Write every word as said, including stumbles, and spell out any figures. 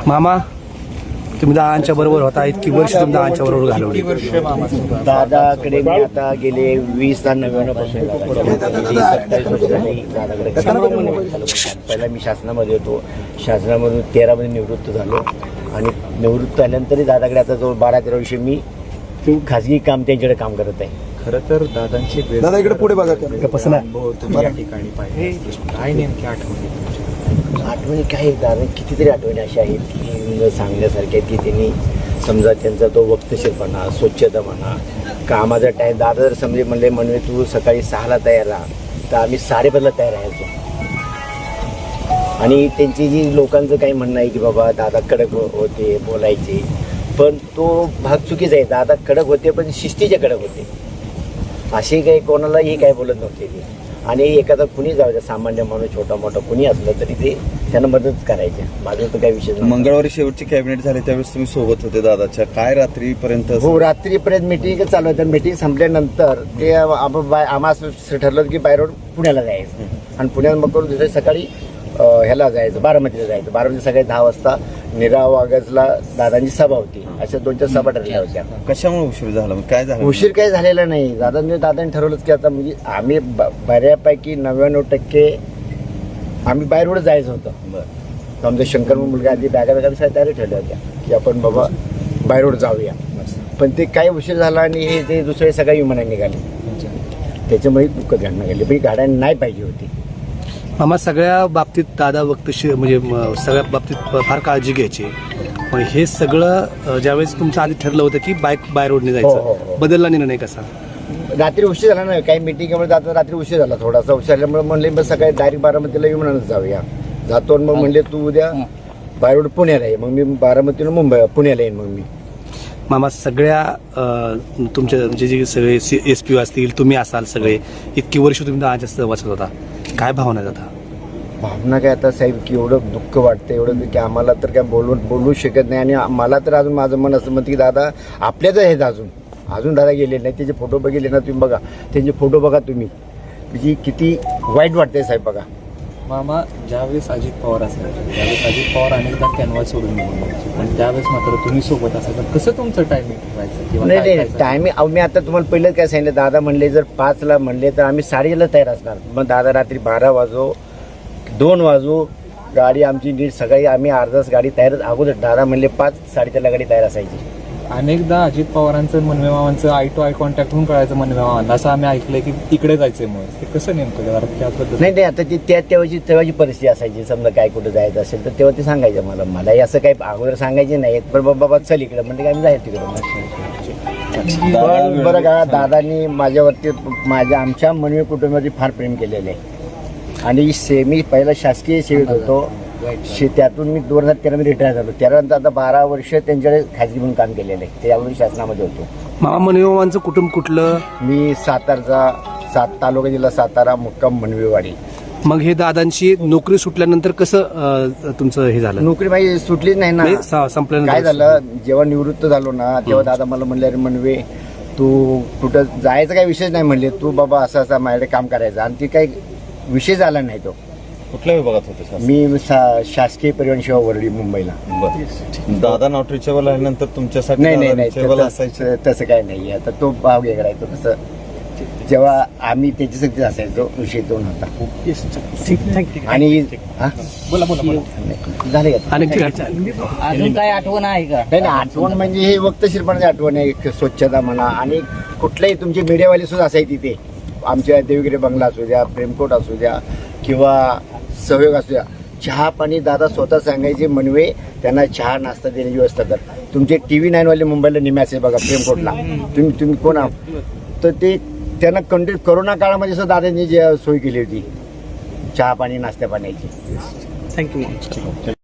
मामा तुम्ही दादांच्या बरोबर होता, इतकी वर्ष तुम्ही दादांच्या बरोबर घालवली. दादाकडे मी आता गेले वीस दहा नव्याण्णव पासून सत्तावीस वर्ष झाली दादाकडे. पहिला मी शासनामध्ये होतो, शासनामधून तेरामध्ये निवृत्त झालो आणि निवृत्त झाल्यानंतरही दादाकडे आता जवळ बारा तेरा वर्ष मी खाजगी काम त्यांच्याकडे काम करत आहे. खरं तर दादांची दादा इकडे पुढे बघा. अनुभव तुम्ही या ठिकाणी पाहिले, काय नेमकी आठवणी तुमच्या? आठवणी काय दादा कितीतरी आठवणी अशा आहेत की सांगण्यासारख्या आहेत की त्यांनी समजा त्यांचा तो वक्तशीरपणा, स्वच्छता म्हणा, कामाचा टाईम. दादा जर समजे म्हणले म्हणले तू सकाळी सहाला तयार राहा तर आम्ही साडेपाचला तयार राहायचो. आणि त्यांची जी लोकांचं काही म्हणणं आहे की बाबा दादा कडक होते बोलायचे, पण तो भाग चुकीचा आहे. दादा कडक होते पण शिस्तीचे कडक होते, असे काही कोणालाही काय बोलत नव्हते ते. आणि एखादा कुणी जाऊ द्या, सामान्य माणूस छोटा मोठा कुणी असलं तरी ते त्यांना मदत करायचे. माझं तर काही विषय नाही. मंगळवारी शेवटची कॅबिनेट झाली त्यावेळेस तुम्ही सोबत होते दादाच्या, काय रात्रीपर्यंत? हो, रात्रीपर्यंत मिटिंग चालू होतं. मिटिंग संपल्यानंतर ते आम्हाला ठरलं की बाय रोड पुण्याला जायचं आणि पुण्यात मग करून दुसऱ्या सकाळी ह्याला जायचं, बारामतीला जायचं. बारामती सकाळी दहा वाजता निरा वागजला दादांची सभा होती. अशा दोन चार सभा ठरल्या होत्या. कशामुळे उशीर झाला, काय झालं? उशीर काही झालेला नाही. दादांनी दादांनी ठरवलंच की आता म्हणजे आम्ही बऱ्यापैकी नव्याण्णव टक्के आम्ही बाय रोड जायचं होतं. आमचा शंकर मुलगा आधी बॅगा बॅगा तयारी ठरल्या होत्या की आपण बाबा बाय रोड जाऊया. पण ते काही उशीर झाला आणि हे ते दुसरे सगळ्या विमानाने निघाले, त्याच्यामुळे दुःख घडणं गेले. पण ही गाड्या नाही पाहिजे होती. मामा सगळ्या बाबतीत दादा वक्तशीर म्हणजे म- सगळ्या बाबतीत फार काळजी घ्यायची. पण हे सगळं ज्यावेळेस तुमचं आधी ठरलं होतं की बाईक बाय रोडने हो, हो, जायचं, हो. बदलला निर्णय कसा? रात्री उशीर झाला ना, काही मिटिंगमुळे जातो रात्री उशीर झाला थोडासा. उशीर झाल्यामुळे म्हणले बस सकाळी डायरेक्ट बारामतीला विमानानं जाऊया. जातो मग म्हणले तू उद्या बाय रोड पुण्याला ये. मग मी बारामतीनं मुंबई पुण्याला येईन. मग मी मामा सगळ्या अं, तुमच्या म्हणजे जे सगळे एस पी असतील, तुम्ही असाल, सगळे इतकी वर्ष तुम्ही दादाच्या सहवासात होता, काय भावना आहेत आता? भावना काय आता साहेब की एवढं दुःख वाटतं, एवढं की आम्हाला तर काय बोलू बोलू शकत नाही. आणि मला तर अजून माझं मन असं म्हणतं की दादा आपल्याच आहेत अजून अजून दादा गेले नाही. त्याचे फोटो बघितले ना तुम्ही, बघा त्यांचे फोटो बघा तुम्ही, म्हणजे किती वाईट वाटतंय साहेब. बघा मामा, ज्यावेळेस अजित पवार असायचे त्यावेळेस अजित पवार अनेकदा कॅनव्हास सोडून निघून जायचे, पण त्यावेळेस मात्र तुम्ही सोबत असायचं. कसं तुमचं टायमिंग व्हायचं किंवा नाही काय नाही काय टायमिंग मी आता तुम्हाला पहिलं काय सांगितलं, दादा म्हणले जर पाचला म्हणले तर आम्ही साडेला तयार असणार. मग दादा रात्री बारा वाजो दोन वाजो गाडी आमची नीट सकाळी आम्ही अर्धाच गाडी तयारच अगोदर. दादा म्हणले पाच साडेचारला गाडी तयार असायची. अनेकदा अजित पवारांचं मनवे मामांचं आय टू आय कॉन्टॅक्ट होऊन कळायचं मनवे मामांना, असं आम्ही ऐकलंय की तिकडे जायचंय. मग ते कसं नेमकं जरा त्याबद्दल? नाही नाही आता ती त्या तेव्हाची तेव्हाची परिस्थिती असायची. समजा काय कुठं जायचं असेल तर तेव्हा ते सांगायचं मला. मलाही असं काही अगोदर सांगायचे नाही, पण बाबा चल इकडं म्हणजे आम्ही जायचं तिकडं. पण बरं का, दादांनी माझ्यावरती माझ्या आमच्या मनवे कुटुंबावरती फार प्रेम केलेलं आहे. आणि से मी पहिला शासकीय सेवेत होतो, शे त्यातून मी दोन हजार तेरामध्ये रिटायर झालो. त्यानंतर आता बारा वर्ष त्यांच्याकडे खाजगी म्हणून काम केलेलं आहे. त्यावेळी शासनामध्ये होतो. मामा मनवे मामांचं कुटुंब कुठलं? मी सातारचा, सात तालुका जिल्हा सातारा, मुक्काम मनवेवाडी. मग हे दादांची नोकरी सुटल्यानंतर कसं अं, तुमचं हे झालं? नोकरी माझी सुटलीच नाही ना. म्हणजे स- संपल्यानंतर काय झालं, जेव्हा निवृत्त झालो ना तेव्हा दादा मला म्हणले अरे म्हणवे तू कुठं जायचं काही विषय नाही म्हणले, तू बाबा असं असं माझ्याकडे काम करायचं. आणि ती काही विषय झाला नाही. तो कुठल्या विभागात होते सर? मी सा- शासकीय परिवहन सेवा वरळी मुंबईला. बरं. दादा नॉट रिचेबल आल्यानंतर तुमच्यासाठी नाही नाही दादा नाही reachable तसं- असायचे? तसं काही नाही. आता तो भाव वेगळा आहे. तो कसं जेव्हा आम्ही त्याची सक्ती असायचो विषय तो नव्हता. आणि हा? बोला बोला बोला. झाले का? आणि अजून काय आठवण आहे का? नाही नाही, आठवण म्हणजे हे वक्तशीरपणाची आठवण आहे. एक स्वच्छता म्हणा आणि कुठल्याही तुमचे मीडियावाले सुद्धा असायचे तिथे. आमच्या देवगिरी बंगला असू द्या, प्रेमकोट असू द्या किंवा सहयोग असू द्या, चहा पाणी दादा स्वतः सांगायचे मनवे त्यांना चहा नाश्ता देण्याची व्यवस्था कर. तुमचे टी व्ही नाईनवाले मुंबईला निम्याचे बघा प्रेमकोटला, तुम्ही तुम्ही कोण आहात तर ते त्यांना कंटिन्यू करोना काळामध्ये सुद्धा दादांनी जी सोय केली होती चहा पाणी नाश्त्या पाण्याची. थँक्यू.